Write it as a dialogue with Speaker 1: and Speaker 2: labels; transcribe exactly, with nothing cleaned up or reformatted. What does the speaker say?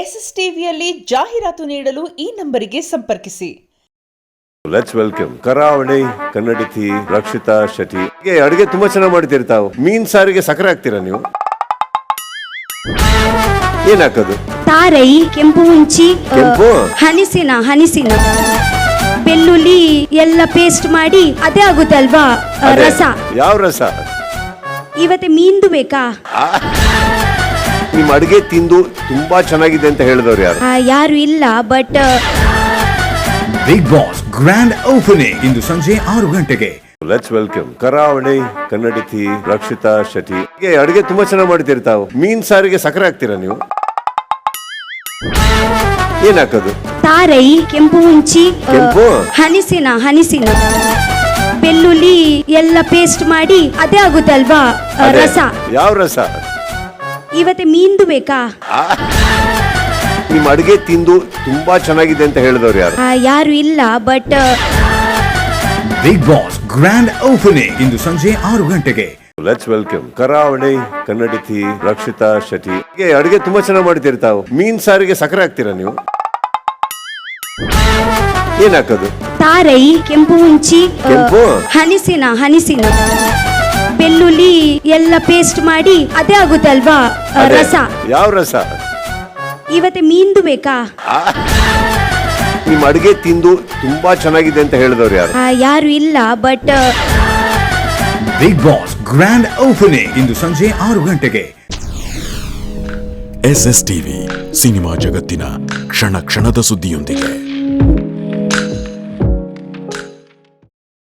Speaker 1: S S ಟಿವಿಯಲ್ಲಿ ಜಾಹೀರಾತು ನೀಡಲು ಈ ನಂಬರಿಗೆ ಸಂಪರ್ಕಿಸಿ.
Speaker 2: ಲೆಟ್ಸ್ ವೆಲ್ಕಮ್ ಕರಾವಳಿ ಕನ್ನಡತಿ ರಕ್ಷಿತಾ ಶೆಟ್ಟಿ. ಅಡುಗೆ ತುಂಬಾ ಚೆನ್ನಾಗಿ ಮಾಡ್ತೀರಿ ತಾವು. ಮೀನ್ ಸಾರಿಗೆ ಸಕ್ಕರೆ ಹಾಕ್ತೀರಾ ನೀವು? ಏನ್ ಹಾಕೋದು?
Speaker 3: ತಾರೈ, ಕೆಂಪು ಹುಂಚಿ,
Speaker 2: ಕೆಂಪು
Speaker 3: ಹನಿಸಿನ ಹನಿಸಿನ ಬೆಳ್ಳುಳ್ಳಿ ಎಲ್ಲ ಪೇಸ್ಟ್ ಮಾಡಿ ಅದೇ ಆಗುತ್ತಲ್ವಾ ರಸ.
Speaker 2: ಯಾವ ರಸ?
Speaker 3: ಇವತ್ತೆ ಮೀನ್ದು ಬೇಕಾ?
Speaker 2: ನಿಮ್ ಅಡುಗೆ ತಿಂದು ತುಂಬಾ ಚೆನ್ನಾಗಿದೆ ಅಂತ ಹೇಳಿದವ್ರು ಯಾರು?
Speaker 3: ಆ, ಯಾರು ಇಲ್ಲ, but
Speaker 4: Bigg Boss grand opening ಇಂದು ಸಂಜೆ ಆರು ಗಂಟೆಗೆ.
Speaker 2: ಲೆಟ್ಸ್ ವೆಲ್ಕಮ್ ಕರಾವಳಿ ಕನ್ನಡತಿ ರಕ್ಷಿತಾ ಶೆಟ್ಟಿ. ಅಡುಗೆ ತುಂಬಾ ಚೆನ್ನಾಗಿ ಮಾಡ್ತೀರಿ ತಾವು. ಮೀನ್ ಸಾರಿಗೆ ಸಕ್ಕರೆ ಹಾಕ್ತೀರಾ ನೀವು? ಏನ್ ಹಾಕೋದು?
Speaker 3: ತಾರೈ, ಕೆಂಪು ಹುಂಚಿ,
Speaker 2: ಕೆಂಪು
Speaker 3: ಹನಿಸಿನ ಹನಿಸಿನ ಬೆಳ್ಳುಳ್ಳಿ ಎಲ್ಲ ಪೇಸ್ಟ್ ಮಾಡಿ ಅದೇ ಆಗುತ್ತಲ್ವಾ ರಸ.
Speaker 2: ಯಾವ ರಸ?
Speaker 3: ಇವತ್ತೆ ಮೀನ್ದು ಬೇಕಾ?
Speaker 2: ನಿಮ್ ಅಡುಗೆ ತಿಂದು ತುಂಬಾ ಚೆನ್ನಾಗಿದೆ ಅಂತ ಹೇಳಿದವ್ರು ಯಾರು?
Speaker 3: ಆ, ಯಾರು ಇಲ್ಲ, but
Speaker 4: Bigg Boss grand opening ಇಂದು ಸಂಜೆ ಆರು ಗಂಟೆಗೆ.
Speaker 2: ಲೆಟ್ಸ್ ವೆಲ್ಕಮ್ ಕರಾವಳಿ ಕನ್ನಡತಿ ರಕ್ಷಿತಾ ಶೆಟ್ಟಿ. ಅಡುಗೆ ತುಂಬಾ ಚೆನ್ನಾಗಿ ಮಾಡ್ತೀರಿ ತಾವು. ಮೀನ್ ಸಾರಿಗೆ ಸಕ್ಕರೆ ಹಾಕ್ತೀರಾ ನೀವು? ಏನ್ ಹಾಕೋದು?
Speaker 3: ತಾರೈ, ಕೆಂಪು ಹುಂಚಿ,
Speaker 2: ಕೆಂಪು
Speaker 3: ಹನಿಸಿನ ಹನಿಸಿನ ಬೆಳ್ಳುಳ್ಳಿ ಎಲ್ಲ ಪೇಸ್ಟ್ ಮಾಡಿ ಅದೇ ಆಗುತ್ತಲ್ವಾ ರಸ.
Speaker 2: ಯಾವ ರಸ?
Speaker 3: ಇವತ್ತೆ ಮೀನ್ದು ಬೇಕಾ?
Speaker 2: ನಿಮ್ ಅಡುಗೆ ತಿಂದು ತುಂಬಾ ಚೆನ್ನಾಗಿದೆ ಅಂತ ಹೇಳಿದವ್ರು ಯಾರು?
Speaker 3: ಆ, ಯಾರು ಇಲ್ಲ, but
Speaker 4: Bigg Boss grand opening ಇಂದು ಸಂಜೆ ಆರು ಗಂಟೆಗೆ.
Speaker 5: ಎಸ್ ಎಸ್ ಟಿವಿ ಸಿನಿಮಾ ಜಗತ್ತಿನ ಕ್ಷಣ ಕ್ಷಣದ ಸುದ್ದಿಯೊಂದಿಗೆ.